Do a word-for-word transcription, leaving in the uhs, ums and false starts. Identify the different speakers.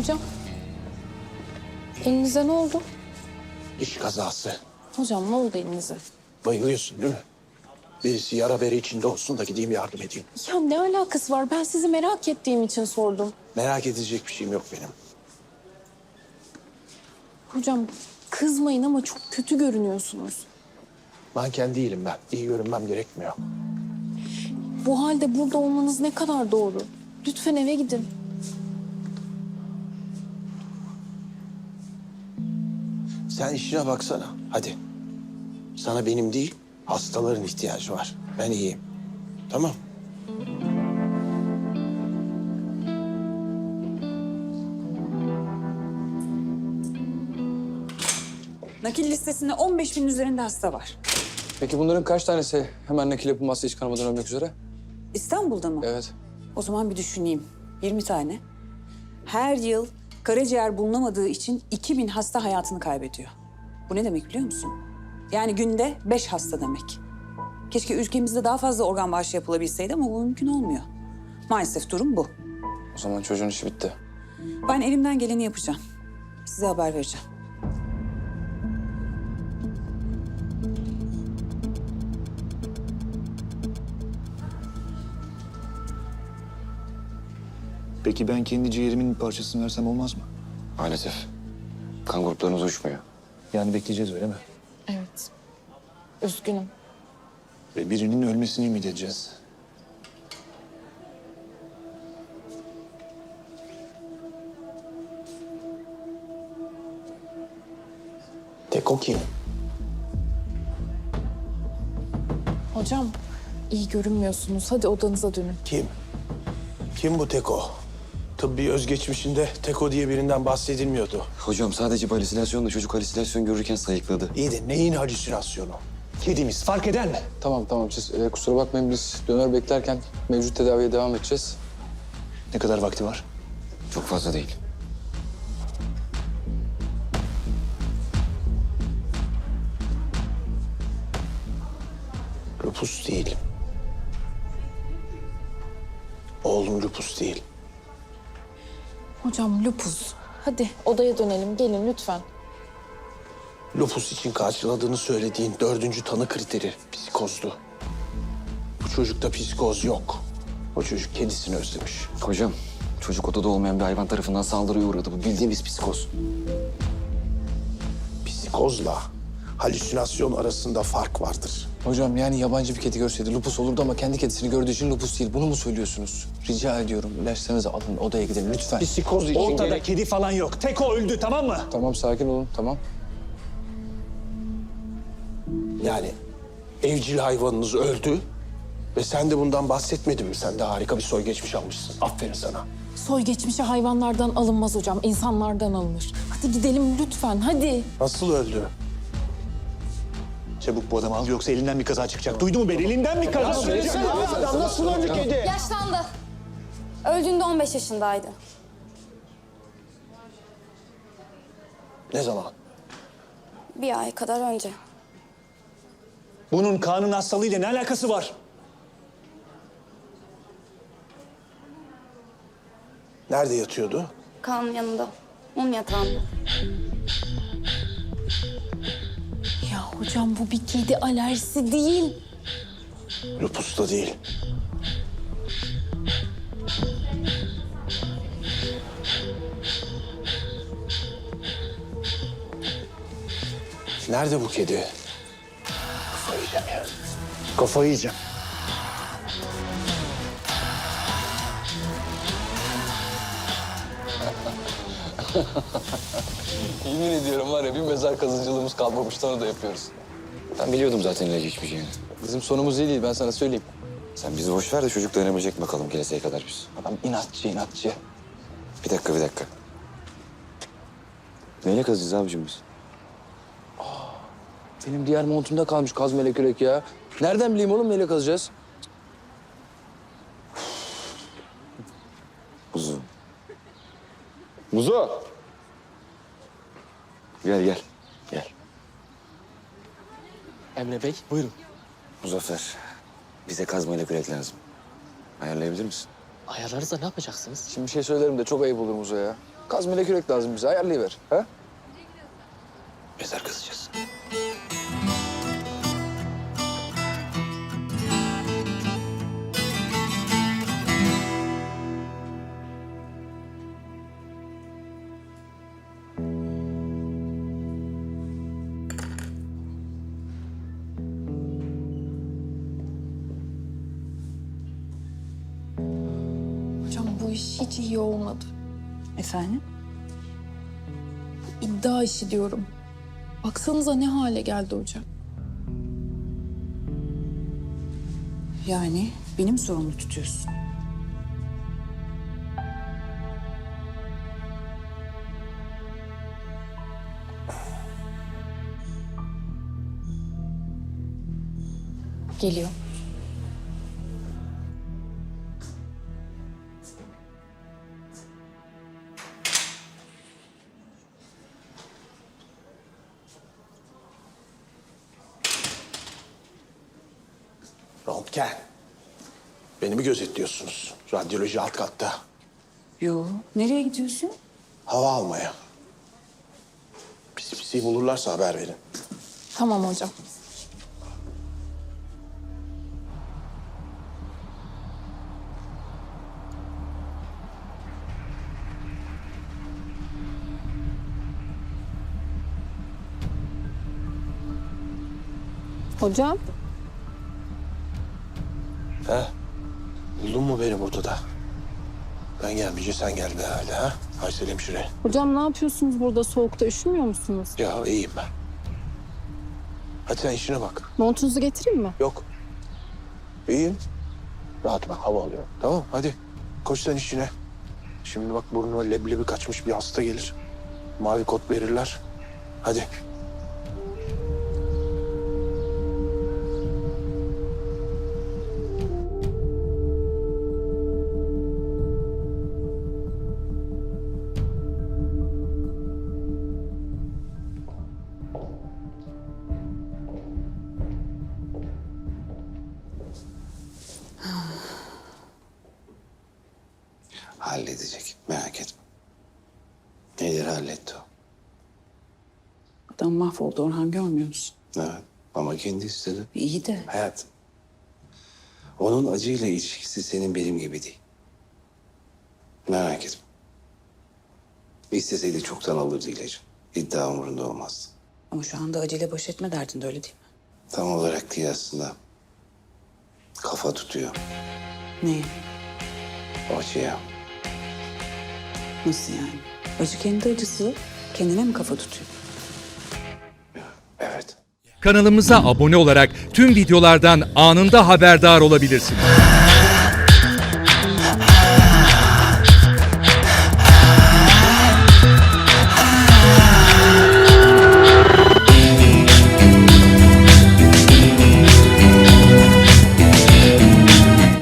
Speaker 1: Hocam, elinize ne oldu?
Speaker 2: İş kazası.
Speaker 1: Hocam ne oldu elinize?
Speaker 2: Bayılıyorsun değil mi? Birisi yara bere içinde olsun da gideyim yardım edeyim.
Speaker 1: Ya ne alakası var? Ben sizi merak ettiğim için sordum.
Speaker 2: Merak edecek bir şeyim yok benim.
Speaker 1: Hocam kızmayın ama çok kötü görünüyorsunuz.
Speaker 2: Manken değilim ben. İyi görünmem gerekmiyor.
Speaker 1: Bu halde burada olmanız ne kadar doğru. Lütfen eve gidin.
Speaker 2: Sen işine baksana. Hadi. Sana benim değil, hastaların ihtiyacı var. Ben iyiyim. Tamam.
Speaker 3: Nakil listesinde on beş bin üzerinde hasta var.
Speaker 4: Peki bunların kaç tanesi hemen nakil yapılmazsa hiç kanamadan ölmek üzere?
Speaker 3: İstanbul'da mı?
Speaker 4: Evet.
Speaker 3: O zaman bir düşüneyim. yirmi tane. Her yıl karaciğer bulunamadığı için iki bin hasta hayatını kaybediyor. Bu ne demek biliyor musun? Yani günde beş hasta demek. Keşke ülkemizde daha fazla organ bağışı yapılabilseydi ama bu mümkün olmuyor. Maalesef durum bu.
Speaker 4: O zaman çocuğun işi bitti.
Speaker 3: Ben elimden geleni yapacağım. Size haber vereceğim.
Speaker 5: Peki ben kendi ciğerimin bir parçasını versem olmaz mı?
Speaker 6: Maalesef. Kan gruplarınız uyuşmuyor.
Speaker 5: Yani bekleyeceğiz öyle mi?
Speaker 1: Evet. Üzgünüm.
Speaker 5: Ve birinin ölmesini ümit edeceğiz.
Speaker 2: Teko kim?
Speaker 1: Hocam iyi görünmüyorsunuz. Hadi odanıza dönün.
Speaker 2: Kim? Kim bu Teko? Tıbbi özgeçmişinde Teko diye birinden bahsedilmiyordu.
Speaker 6: Hocam sadece bir halüsinasyonla çocuk halüsinasyon görürken sayıkladı.
Speaker 2: İyi de neyin halüsinasyonu? Kedimiz fark eder mi?
Speaker 4: Tamam tamam siz e, kusura bakmayın biz döner beklerken mevcut tedaviye devam edeceğiz.
Speaker 5: Ne kadar vakti var?
Speaker 6: Çok fazla değil.
Speaker 2: Lupus değil. Oğlum lupus değil.
Speaker 1: Hocam lupus. Hadi odaya dönelim. Gelin lütfen.
Speaker 2: Lupus için karşıladığını söylediğin dördüncü tanı kriteri psikozdu. Bu çocukta psikoz yok. O çocuk kedisini özlemiş.
Speaker 6: Hocam çocuk odada olmayan bir hayvan tarafından saldırıya uğradı. Bu bildiğimiz psikoz.
Speaker 2: Psikozla halüsinasyon arasında fark vardır.
Speaker 4: Hocam yani yabancı bir kedi görseydi lupus olurdu ama kendi kedisini gördüğü için lupus değil. Bunu mu söylüyorsunuz? Rica ediyorum ilaçlarınızı alın odaya gidelim lütfen.
Speaker 2: Psikoz için
Speaker 5: Ortada
Speaker 2: gerek...
Speaker 5: kedi falan yok. Teko öldü tamam mı?
Speaker 4: Tamam sakin olun tamam.
Speaker 2: Yani evcil hayvanınız öldü ve sen de bundan bahsetmedin mi? Sen de harika bir soy geçmiş almışsın. Aferin sana.
Speaker 1: Soy geçmişi hayvanlardan alınmaz hocam. İnsanlardan alınır. Hadi gidelim lütfen. Hadi.
Speaker 2: Nasıl öldü?
Speaker 5: Çabuk bu adamı al yoksa elinden bir kaza çıkacak. Duydu mu beni? Elinden bir kaza çıkacak.
Speaker 2: Adam nasıl öldü kedi?
Speaker 7: Yaşlandı. Öldüğünde on beş yaşındaydı.
Speaker 2: Ne zaman?
Speaker 7: Bir ay kadar önce.
Speaker 5: Bunun kanın hastalığıyla ne alakası var?
Speaker 2: Nerede yatıyordu?
Speaker 7: Kaan'ın yanında. Mum yatağında.
Speaker 1: Ya hocam bu bir kedi alerjisi değil.
Speaker 2: Lupus da değil. Nerede bu kedi? Kafayı yiyeceğim ya. Kafayı yiyeceğim.
Speaker 4: Yemin ediyorum var ya bir mezar kazıcılığımız kalmamıştı onu da yapıyoruz.
Speaker 6: Ben biliyordum zaten ilacı içmeyeceğini.
Speaker 4: Bizim sonumuz iyi değil ben sana söyleyeyim.
Speaker 6: Sen bizi boş ver de çocuk dayanabilecek bakalım geleseye kadar biz.
Speaker 4: Adam inatçı inatçı.
Speaker 6: Bir dakika bir dakika. Neyle kazacağız abicim biz?
Speaker 4: Benim diğer montumda kalmış kaz melek yürek ya. Nereden bileyim oğlum neyle kazacağız?
Speaker 6: Muzu. Muzo! Gel gel. Gel.
Speaker 4: Emre Bey buyurun.
Speaker 6: Muzaffer. Bize kazmayla kürek lazım. Ayarlayabilir misin?
Speaker 8: Ayarlarız da ne yapacaksınız?
Speaker 4: Şimdi bir şey söylerim de çok ayıp olur Muzo ya. Kazmayla kürek lazım bize. Ayarlayıver. Ha?
Speaker 2: Mezar kazacağız.
Speaker 1: Hocam bu iş hiç iyi olmadı.
Speaker 3: Efendim?
Speaker 1: İddia işi diyorum. Baksanıza ne hale geldi hocam.
Speaker 3: Yani beni mi sorumlu tutuyorsun?
Speaker 1: Geliyor.
Speaker 2: Röntgen. Beni mi gözetliyorsunuz? Radyoloji alt katta.
Speaker 3: Yo. Nereye gidiyorsun?
Speaker 2: Hava almaya. Pisi pisi bulurlarsa haber verin.
Speaker 1: Tamam hocam. Hocam.
Speaker 2: He? Buldun mu beni burada da? Ben gelmeyince sen geldin herhalde ha? Aysel hemşire.
Speaker 1: Hocam ne yapıyorsunuz burada soğukta? Üşümüyor musunuz?
Speaker 2: Ya iyiyim ben. Hadi sen işine bak.
Speaker 1: Montunuzu getireyim mi?
Speaker 2: Yok. İyiyim. Rahat bak, hava alıyorum. Tamam, hadi. Koş sen işine. Şimdi bak burnuna leblebi kaçmış bir hasta gelir. Mavi kot verirler. Hadi.
Speaker 8: Halledecek, merak etme. Nedir halletti o?
Speaker 3: Adam mahvoldu Orhan, görmüyor musun?
Speaker 8: Evet, ama kendi istedi.
Speaker 3: İyi de.
Speaker 8: Hayat, onun acıyla ilişkisi senin benim gibi değil. Merak etme. İsteseydi çoktan alırdı ilacı. İddia umurunda olmazdı.
Speaker 3: Ama şu anda acele baş etme derdinde, öyle değil mi?
Speaker 8: Tam olarak değil aslında. Kafa tutuyor
Speaker 3: Ne?
Speaker 8: o acıya.
Speaker 3: Nasıl yani? Acı kendi acısı. Kendine mi kafa tutuyor?
Speaker 8: Evet.
Speaker 9: Kanalımıza abone olarak tüm videolardan anında haberdar olabilirsiniz.